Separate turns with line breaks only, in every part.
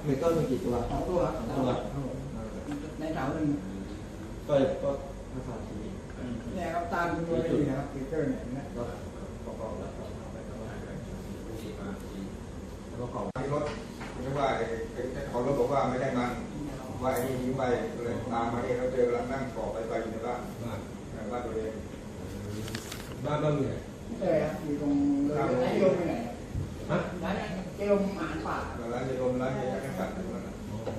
มีต้นมีกี่ตัว
2 ตัว
ตัว
ในเสาหนึ่ง
ก็ภาษาที
เนี่ยครับตามตัวเลยนะครับเกอร์เนี่ยนะ
ก็ประกอบแล้วก็ของ
ที่รถไม่ว่าเจ้าของรถบอกว่าไม่ได้มันว่าไอ้นี่ทิ้งไปเลยตามมาเนี่ยเราเจอกำลังนั่งก่อไฟอยู่ในบ้านตัวเอง
บ้านมีไหน
ใช่ครับอยู่ตรงร้านเจลมไปไหนฮะร้านเจลมอาหารป่า
ร้านเจลมร้านเจลมกัดอยู่นั่น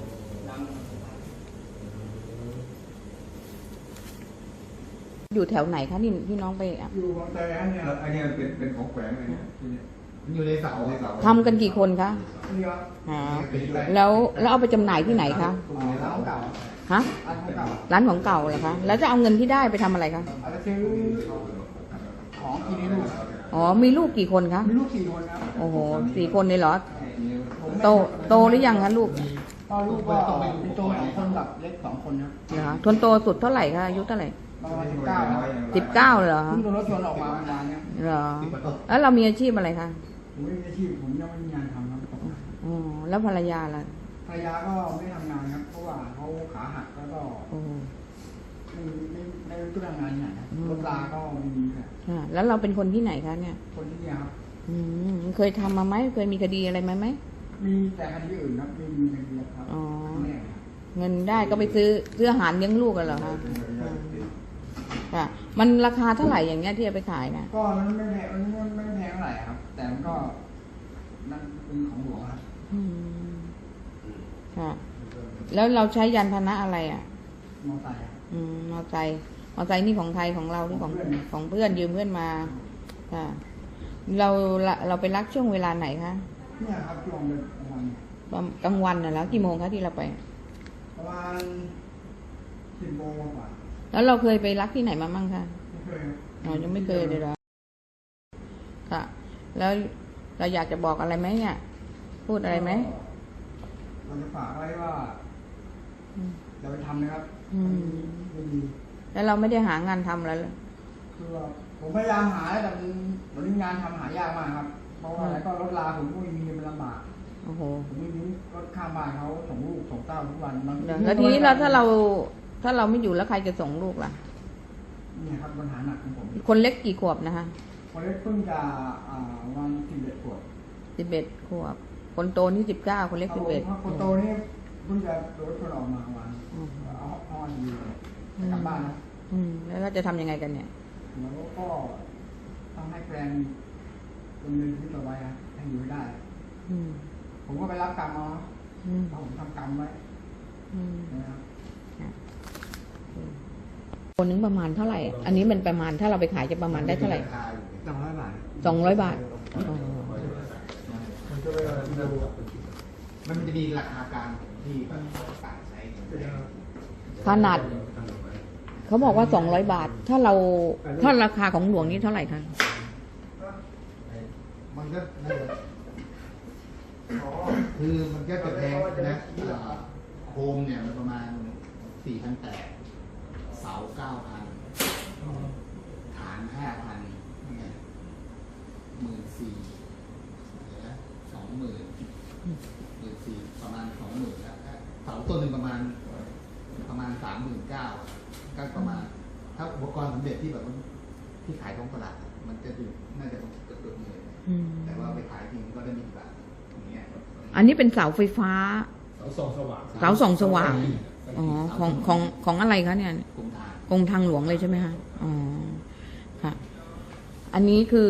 อยู่แถวไหนคะนี่พี่น้องไป
อยู่บางแสนเนี่ย
อันนี้เป็นของแฝงเลยเนี่ยมันอยู่ในเสา
ทำกันกี่คนคะแล้วเอาไปจำหน่ายที่ไหนคะ
ร้านของเก่า
ฮะร้านของเก่าเหรอคะแล้วจะเอาเงินที่ได้ไปทำอะไรคะ
ซื้อของกินให้ลูก
อ๋อมีลูกกี่คนคะ
มีลูก4 คนครับ
โอ้โห4 คนเลยเหรอโตหรือยังคะลูก
ลูกก็เป็นโต2 คนกับเล็ก2 คนครับ
เหรอทนโตสุดเท่าไหร่คะอายุเท่าไหร่
ประมาณ19
เหรอ
เพิ่งโดนรถชนออกมาประมาณนี้
เหรอแล้วเรามีอาชีพอะไรคะ
ผมไม่มีอาชีพผมยังไม่มีงานทำครับ
อ๋อแล้วภรรยาล่ะ
ภรรยาก็ไม่ทำงานครับเพราะว่าเขาขาหักแล้วก็ไม่รู้จะทำงานที่ไหนรถลาก็ไม่มี
ค่ะแล้วเราเป็นคนที่ไหนคะเนี่ย
คนที่นี่ครับ
เคยทำมาไหมเคยมีคดีอะไรไหม
มีแต่คดีอื่นครับไม่มีคดีครับ
อ๋อเงินได้ก็ไปซื้ออาหารเลี้ยงลูกกันเหรอคะค่ะมันราคาเท่าไหร่อย่างเงี้ยที่จะไปขายนะ
ก็มันไม่แพงเท่าไหร่ครับแต่มันก็นั่นเป็นของหลวงครับ
ค่ะแล้วเราใช้ยานพาหนะอะไรอ่ะ
มอเตอร์ไซค์
มอเตอร์ไซค์นี่ของไทยของเราหรือของเพื่อนยืมเพื่อนมาค่ะเราไปรักช่วงเวลาไหนคะ
เนี่ยครับช่วง
กลางวันน่ะแล้วกี่โมงคะที่เราไป
ประมาณ10 โมงกว่า
แล้วเราเคยไปรักที่ไหนมามั่งคะ
ไม่เคย
ยังไม่เคยเลยเหรอค่ะแล้วเราอยากจะบอกอะไรไหมเนี่ยพูดอะไรไหม
เราจะฝากไว้ว่าอย่าไปทำนะครับไม่ดี
แล้วเราไม่ได้หางานทำแล้ว
คือผมพยายามหาแต่ตอนนี้งานทำหายากมากครับเพราะว่าอะไรก็รถลาผมก็มีเงินเป็นลำบาก
โอ้โห
ผมไม่มีรถข้ามบ้านเขาส่งลูกส่งเต้าทุกวัน
แล้วทีนี้ถ้าเราไม่อยู่แล้วใครจะส่งลูกล่ะ
นี่ครับปัญหาหนักของผม
คนเล็กกี่ขวบนะคะ
คนเล็กเพิ่งจะวัน11 ขวบ
11 ขวบคนโตนี่19คนเล็ก11
คนโตนี่เพิ่งจะโดนชนออกมาวันเอาอยู่กลับบ้านนะ
แล้วเราจะทำยังไงกันเนี่ย
แล้วก็ต้องให้แฟนดำเนินชีวิตต่อไปให้อยู่ได้ผมก็ไปรับกรรมเอาผมทำกรรมไว้นะครับ
คนนึงประมาณเท่าไหร่อันนี้มันประมาณถ้าเราไปขายจะประมาณได้เท่าไหร่
200 บาท
200 บาท
มันจะมีราคากลางที่ต่างใช้
ขนาดเขาบอกว่า200 บาทถ้าราคาของหลวงนี่เท่าไหร่คะ
มันก็คือมันก็จะแพงนะโคมเนี่ยมันประมาณ 4,800 เสา 9,000 ฐาน 5,000 เนี่ย 14,000 20,000 ประมาณ 20,000 แล้วเสาต้นหนึ่งประมาณ 39,000 ก็ประมาณถ้าอุปกรณ์สำเร็จที่แบบที่ขายท้องตลาดมันจะอยู่น่าจะเกือบเลยแต่ว่าไปขายจริงก็ได้มีแบบอย่างเงี้ย
อันนี้เป็นเสาไฟฟ้า
เสาส่องส
ว่างอ๋อของอะไรคะเนี่ยกรมทางหลวงเลยใช่ไหมคะอ๋อค่ะอันนี้คือ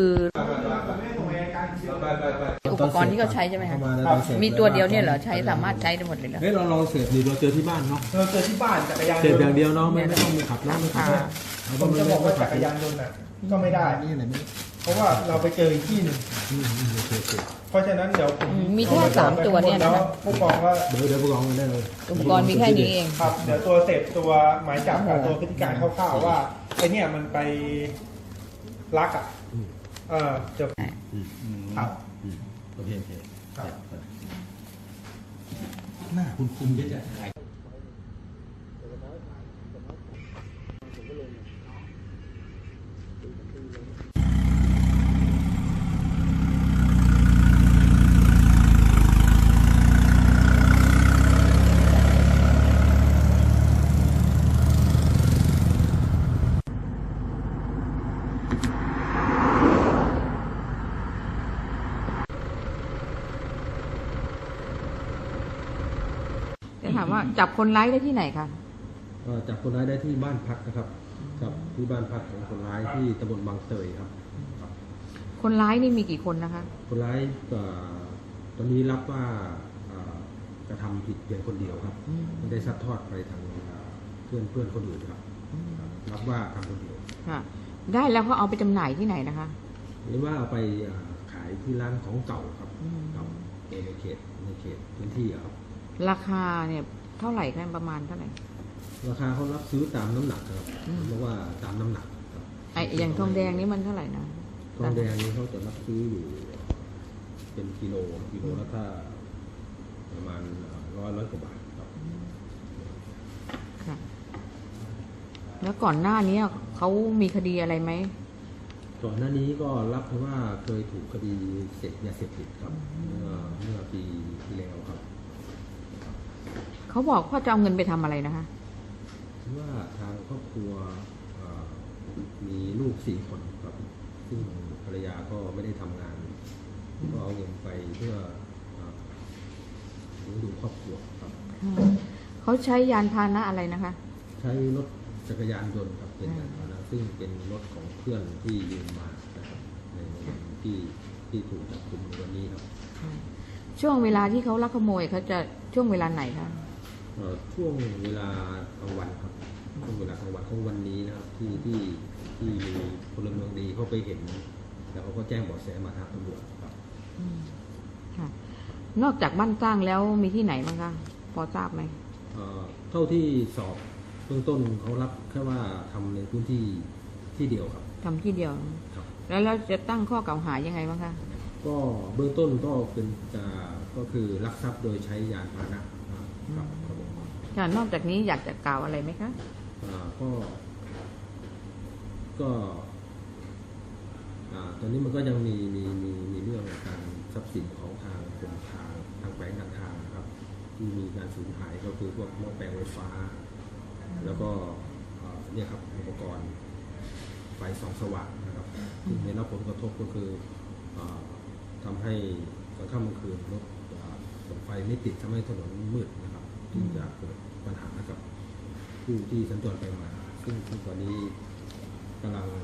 อุปกรณ์ที่เขาใช้ใช่ไหมคะมีตัวเดียวเนี่ยเหรอใช้สามารถใช้ได้หมดเลยเหรอ
เราลองเสพดิเราเจอที่บ้านเนาะ
เราเจอที่บ้านจักรยาน
เสพอย่างเดียวเนาะไม่ต้องมีขับไม่ขับ
ผมจะบอกว่าจักรยานยนต์ก็ไม่ได้เพราะว่าเราไปเจออีกที่หนึ่งเพราะฉะนั้นเดี๋ยวผม
มีแค่3 ตัวเนี่ยนะ
ผู้กองว่า
เดี๋ยวผู้กองกันได้เลย
อุปกรณ์มีแค่นี้เอง
ครับเดี๋ยวตัวเสพตัวหมายจับกับตัวพฤติการคร่าวๆว่าไอเนี่ยมันไปลักจบครับ
โอเคหน้าคุณเยอะจัง
จะถามว่าจับคนร้ายได้ที่ไหนคะ
จับคนร้ายได้ที่บ้านพักนะครับครับที่บ้านพักของคนร้ายที่ตำบลบางเตยครับ
คนร้ายนี่มีกี่คนนะคะ
คนร้ายตอนนี้รับว่ากระทำผิดเพียงคนเดียวครับไม่ได้ซัดทอดไปทางเพื่อนคนอื่นครับรับว่าทำคนเดียว
ค่ะ ได้แล้วเขาเอาไปจำหน่ายที่ไหนนะคะ
หรือว่าเอาไปขายที่ร้านของเก่าครับครับในเขตพื้นที่ครับ
ราคาเนี่ยเท่าไหร่คะประมาณเท่าไหร่
ราคาเขารับซื้อตามน้ำหนักครับเพราะว่าตามน้ำหนักครับ
ไออย่างทองแดงนี่มันเท่าไหร่นะ
ทองแดงนี่เขาจะรับซื้ออยู่เป็นกิโลแล้วถ้าประมาณร้อยกว่าบาทครับ
ค่ะ แล้วก่อนหน้านี้เขามีคดีอะไรไหม
ก่อนหน้านี้ก็รับเพราะว่าเคยถูกคดีเสพยาเสพติดครับเมื่อปีที่แล้วครับ
เขาบอกว่าจะเอาเงินไปทำอะไรนะคะ
ว่าทางครอบครัวมีลูก4 คนครับซึ่งภรรยาก็ไม่ได้ทำงานก็เอาเงินไปเพื่อเลี้ยงดูครอบครัวครับ
เขาใช้ยานพาหนะอะไรนะคะ
ใช้รถจักรยานยนต์ครับเป็นยานพาหนะซึ่งเป็นรถของเพื่อนที่ยืมมานะครับในวันที่ถูกจับกุมในวันนี้ครับ
ช่วงเวลาที่เขาลักขโมยเขาจะช่วงเวลาไหนคะ
ช่วงเวลากลางวันครับช่วงเวลากลางวันของวันนี้นะครับที่มีพลเมืองดีเขาไปเห็นแล้วเขาก็แจ้งเบาะแสมาทางตำรวจครับ
ค่ะ นอกจากบ้านสร้างแล้วมีที่ไหนบ้างคะพอทราบไหม
เท่าที่สอบเบื้องต้นเขารับแค่ว่าทำในพื้นที่ที่เดียวครับ
ทำที่เดียว
ครับ
แล้วเราจะตั้งข้อกล่าวหายังไงบ้างคะ
ก็เบื้องต้นก็เป็นก็คือลักทรัพย์โดยใช้ยานพาหนะครับครับผม
ค่ะนอกจากนี้อยากจะกล่าวอะไรไหมคะ
ก็ตอนนี้มันก็ยังมีเรื่องการทรัพย์สินของทางกรมทางแขวงการทางนะครับที่มีการสูญหายก็คือพวกหม้อแปลงไฟฟ้า แล้วก็เนี่ยครับอุปกรณ์ไฟส่องสว่างนะครับที่ได้รับผลกระทบก็คือทำให้กลางค่ำกลางคืนรถไฟไม่ติดทำให้ถนนมืดนะครับจึงจะเกิดปัญหากับผู้ที่สัญจรไปมาซึ่งตอนนี้กำลัง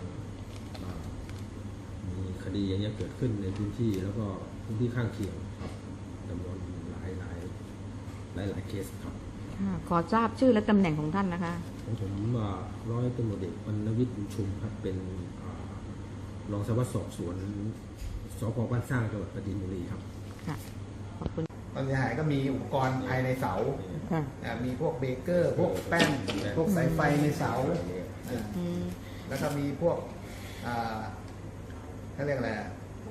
มีคดีอย่างนี้เกิดขึ้นในพื้นที่แล้วก็พื้นที่ข้างเคียงครับจำนวนหลายเคสครับ
ค่ะขอทราบชื่อและตำแหน่งของท่านนะคะ
ของผมร้อยตำรวจเอกวรรณวิทย์บุญชุมครับเป็นรองสารวัตรสอบสวนสพ.บ้านสร้างจังหวัดปราจีนบุรีครับ
ค่ะ ขอบคุณ
ความเสียหายก็มีอุปกรณ์ภายในเสา
ค่ะ
มีพวกเบเกอร์ พวกแป้นพวกสายไฟในเสา แล้วก็มีพวกเขาเรียกอะไร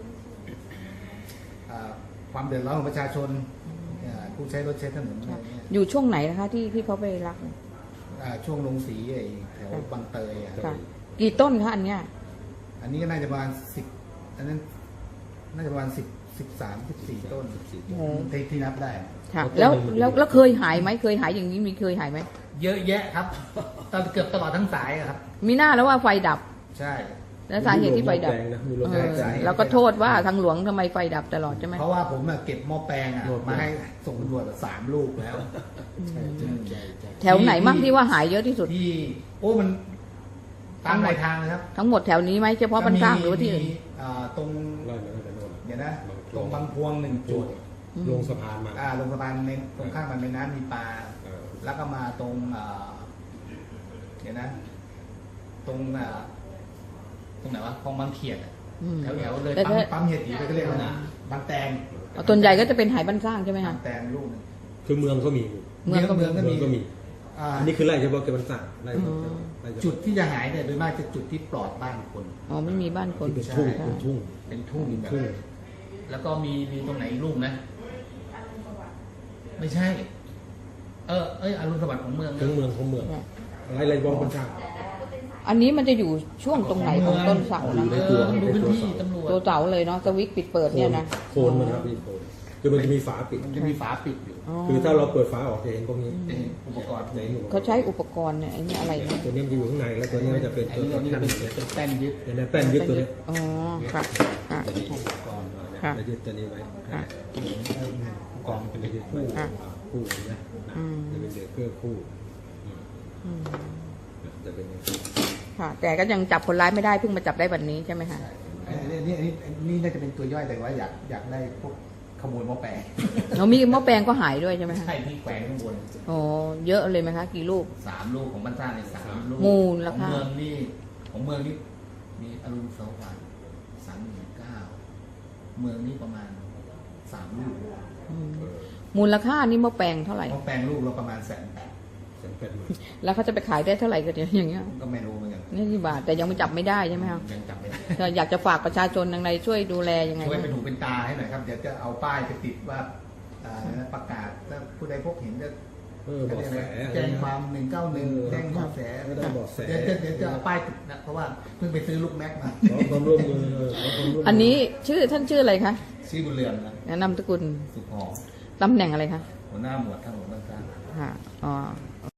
ความเดือดร้อนของประชาชนผู้ใช้รถใช้ถนนอะไรเงี้ย
อยู่ช่วงไหนนะคะที่เขาไปรัก
ช่วงลงสีแถวบางเตย
ค่ะ กี่ต้นคะอันเนี้ย
อันนี้ก็น่าจะประมาณ10อันนั้นน่าจะประมาณ13-14 ต้นที่นับได้
ค่ะ แล้วเคยหายไหมเคยหายอย่างนี้มีเคยหายไหม
เยอะแยะครับเกือบตลอดทั้งสายครับ
มีหน้าแล้วว่าไฟดับ
ใช่
แล้วสาเหตุที่ไฟดับ
มีรถ
เอ
แรง
อ
นะ
เราก็โทษว่าทางหลวงทำไมไฟดับตลอดใช่ไหม
เพราะว่าผมเก็บหม้อแปลงมาให้ส่งตำรวจ3 ลูกแล้ว
แถวไหนมั่งที่ว่าหายเยอะที่สุด
ที่มันตามหลายทางเลยครับ
ทั้งหมดแถวนี้ไหมเฉพาะบ้านสร้างหรือว่าที่อื่น
มีตรง
ไล่มาตั้งแต่โน่น
เดี๋ยวนะตรงบางพวง1 จุด
ลงสะพานมา
ลงสะพานในตรงข้างมันเป็นน้ำมีปลา แล้วก็มาตรงเดี๋ยวนะ ตรงไหนวะคลองบางเขียดแถวเลยปั๊มเห็ดหีไปก็เรียกว่าบางแตง
ส่วนใหญ่ก็จะเป็นหายบ้านสร้างใช่ไหม
บา
คะ
งแตงลูกนึง
คือเมืองก็มี
เมืองก็มี
ก็มีอันนี้คือไล่เฉพาะเก็บมันสั่งไล่เฉพาะ
จุดที่จะหายเนี่ยโดยมากจะจุดที่ปลอดบ้านคน
อ๋อไม่มีบ้านคน
เป็นทุ่ง
ใช่
เป็นทุ่ง
เป็นทุ่ง
เป็น
แบบ
ทุ่ง
แล้วก็มีตรงไหนอีกลูกนะ ไม่ใช่ อรุณสวัสดิ์ของเมือง
ทั้งเมืองของเมืองไล่บ้องคนช่าง
อันนี้มันจะอยู่ช่วงตรงไหนของต้นเสานะ
ดูพื้นที่ตำรวจ
ตัวเสาเลยเนาะสวิตช์ปิดเปิดเนี่ยนะ
โคนมันครับพี่โคนคือมันจะมีฝาปิด
มันจะมีฝาปิดอยู่
อ๋อ
คือถ้าเราเปิดฝาออกจะเห็นพวกนี้
จะเห็นอุปกรณ์
จะเห็นอยู่
เขาใช้อุปกรณ์เนี่ยไอ้นี่อะไรนะ
ตัวนี้มันจะอยู่ข้างในแล้วตัวนี้มันจะเป็น
อัน
ตัว
นี้
แท่น
เป็นแป้นยึด
เนี่ยแป้นยึดตัวนี้
อ๋อค่ะค่ะ
ตัวนี้อุปกรณ์จะยึดตัวนี้ไว้
ค่ะ
อุปกรณ์เป็นยึดคู่
ค่ะ
คู่ใช่ไหมจะเป็นเบรกเกอร์คู่จะเป็นอย่างนี้
ค่ะ แต่ก็ยังจับคนร้ายไม่ได้เพิ่งมาจับได้วันนี้ใช่ไหมคะ
นี่น่าจะเป็นตัวย่อยแต่ว่าอยากได้พวกขโมยหม้อแปลง
เรามีหม้อแปลงก็หายด้วยใช่ไหมคะ
ใช่ที่แขวนข้างบน
โอ้เยอะเลยไหมคะกี่ลูก
3 ลูกของบ้านสร้างใน3 ลูก
มูล
ข
รา
อง
คา
เมืองนี่มีอรุณสวัสดิ์39,000เมืองนี่ประมาณ3 ลูก
มูลค่านี่หม้อแปลงเท่าไหร่
หม้อแปลงลูกเราประมาณ180,000
180,000
แล้วเขาจะไปขายได้เท่าไหร่กันอย่างเงี้ย
ก็ไม่รู้เหมือนกัน
นี่กี่บาทแต่ยังไม่จับไม่ได้ใช่ไหมคะ
ยังจำไม่ได้
ก็อยากจะฝากประชาชนยังไงช่วยดูแลยังไง
ช่วย
บ้าง
เป็นหูเป็นตาให้หน่อยครับเดี๋ยวจะเอาป้ายไปติดว่าประกาศถ้าผู้ใดพบเห็นจะ
เบาะแส
แจ้งความ191แจ้งเบาะแส
ไม่ได้เบาะแส
เดี๋ยวจะเอาป้ายติดนะเพราะว่าเพิ่งไปซื้อลูกแม็กมา
ขอความร่วมมือขอความร่วมมื
อันนี้ท่านชื่ออะไรคะ
ชื่อบุญเรือนนะ
แนะนำตระกุล
สุขหอม
ตำแหน่งอะไรคะ
หัวหน้าหมวดทางหลวงบ้านสร้าง
ค่ะอ๋อโอ